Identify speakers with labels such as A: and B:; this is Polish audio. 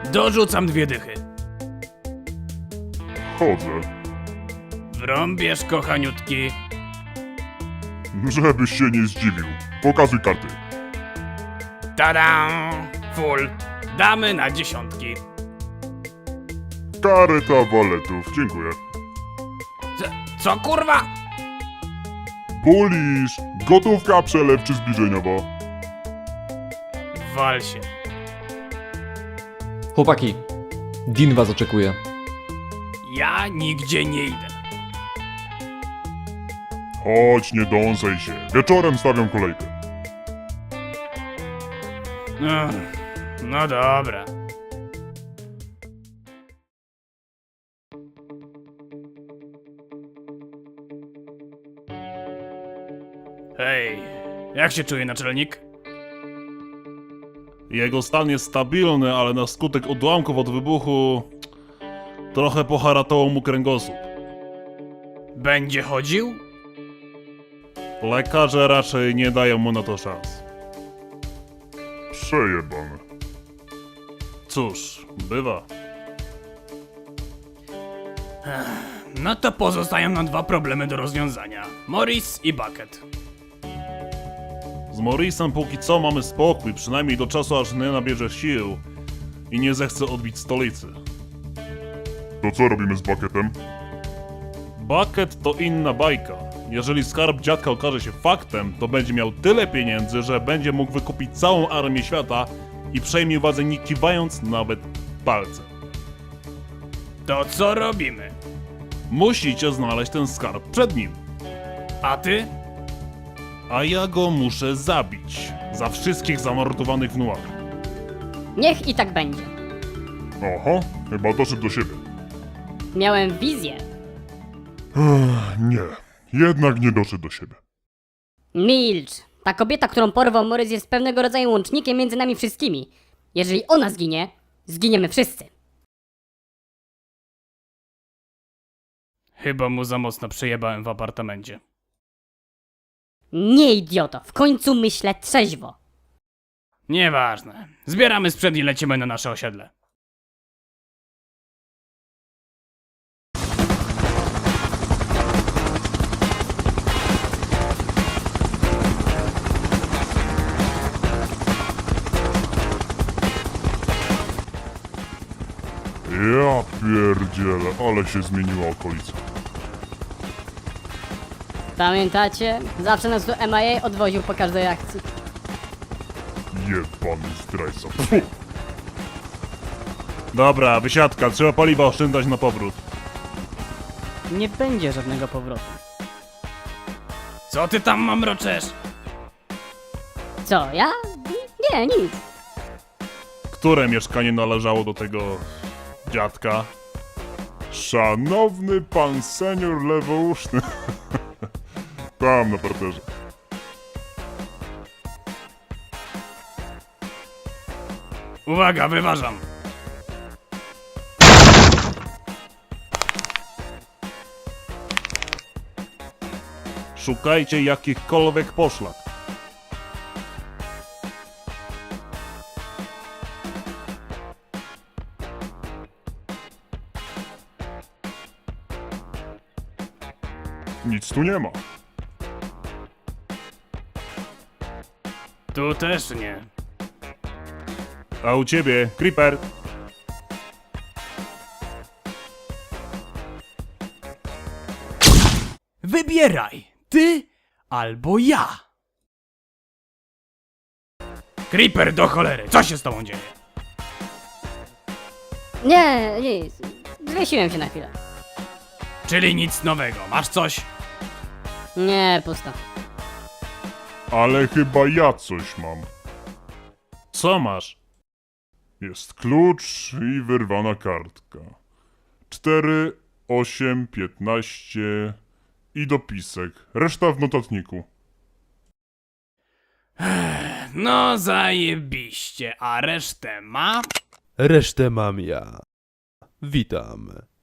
A: Dorzucam 2 dychy.
B: Chodzę.
A: Wrąbiesz, kochaniutki.
B: Żebyś się nie zdziwił. Pokazuj karty.
A: Tada! Full. Damy na 10.
B: Kareta waletów, dziękuję.
A: Co kurwa?
B: Bulisz! Gotówka, przelew czy zbliżeniowa?
A: Wal się.
C: Chłopaki, Dean was oczekuje.
A: Ja nigdzie nie idę.
B: Chodź, nie dąsaj się. Wieczorem stawiam kolejkę.
A: No dobra. Hej, jak się czuje naczelnik?
D: Jego stan jest stabilny, ale na skutek odłamków od wybuchu trochę poharatował mu kręgosłup.
A: Będzie chodził?
D: Lekarze raczej nie dają mu na to szans.
B: Przejebane.
D: Cóż, bywa.
A: No to pozostają nam 2 problemy do rozwiązania. Morris i Bucket.
D: Z Morrisem póki co mamy spokój, przynajmniej do czasu aż nie nabierze sił i nie zechce odbić stolicy.
B: To co robimy z Bucketem?
D: Bucket to inna bajka. Jeżeli skarb dziadka okaże się faktem, to będzie miał tyle pieniędzy, że będzie mógł wykupić całą armię świata i przejmie władzę nie kiwając nawet palcem.
A: To co robimy?
D: Musicie znaleźć ten skarb przed nim.
A: A ty?
D: A ja go muszę zabić. Za wszystkich zamordowanych w Noir.
E: Niech i tak będzie.
B: Aha, chyba doszedł do siebie.
E: Miałem wizję.
B: Nie, jednak nie doszedł do siebie.
E: Milcz! Ta kobieta, którą porwał Morris, jest pewnego rodzaju łącznikiem między nami wszystkimi. Jeżeli ona zginie, zginiemy wszyscy.
A: Chyba mu za mocno przejebałem w apartamencie.
E: Nie, idioto, w końcu myślę trzeźwo.
A: Nieważne. Zbieramy sprzęt i lecimy na nasze osiedle.
B: Ja pierdzielę, ale się zmieniła okolica.
E: Pamiętacie? Zawsze nas do MIA odwoził po każdej akcji.
B: Jebany zdrajca. Pfu.
D: Dobra, wysiadka, trzeba paliwa oszczędzać na powrót.
E: Nie będzie żadnego powrotu.
A: Co ty tam mamroczesz?
E: Co, ja? Nie, nic.
D: Które mieszkanie należało do tego dziadka?
B: Szanowny pan senior lewouszny. Tam na parterze.
A: Uwaga, wyważam.
D: Szukajcie jakichkolwiek poszlak.
B: Nic tu nie ma.
A: Tu też nie.
D: A u ciebie, Creeper?
A: Wybieraj, ty albo ja. Creeper do cholery, co się z tobą dzieje?
E: Nie, nic. Zwiesiłem się na chwilę.
A: Czyli nic nowego, masz coś?
E: Nie, pusto.
B: Ale chyba ja coś mam.
D: Co masz?
B: Jest klucz i wyrwana kartka. 4, 8, 15 i dopisek. Reszta w notatniku.
A: No zajebiście, a resztę ma?
F: Resztę mam ja. Witam.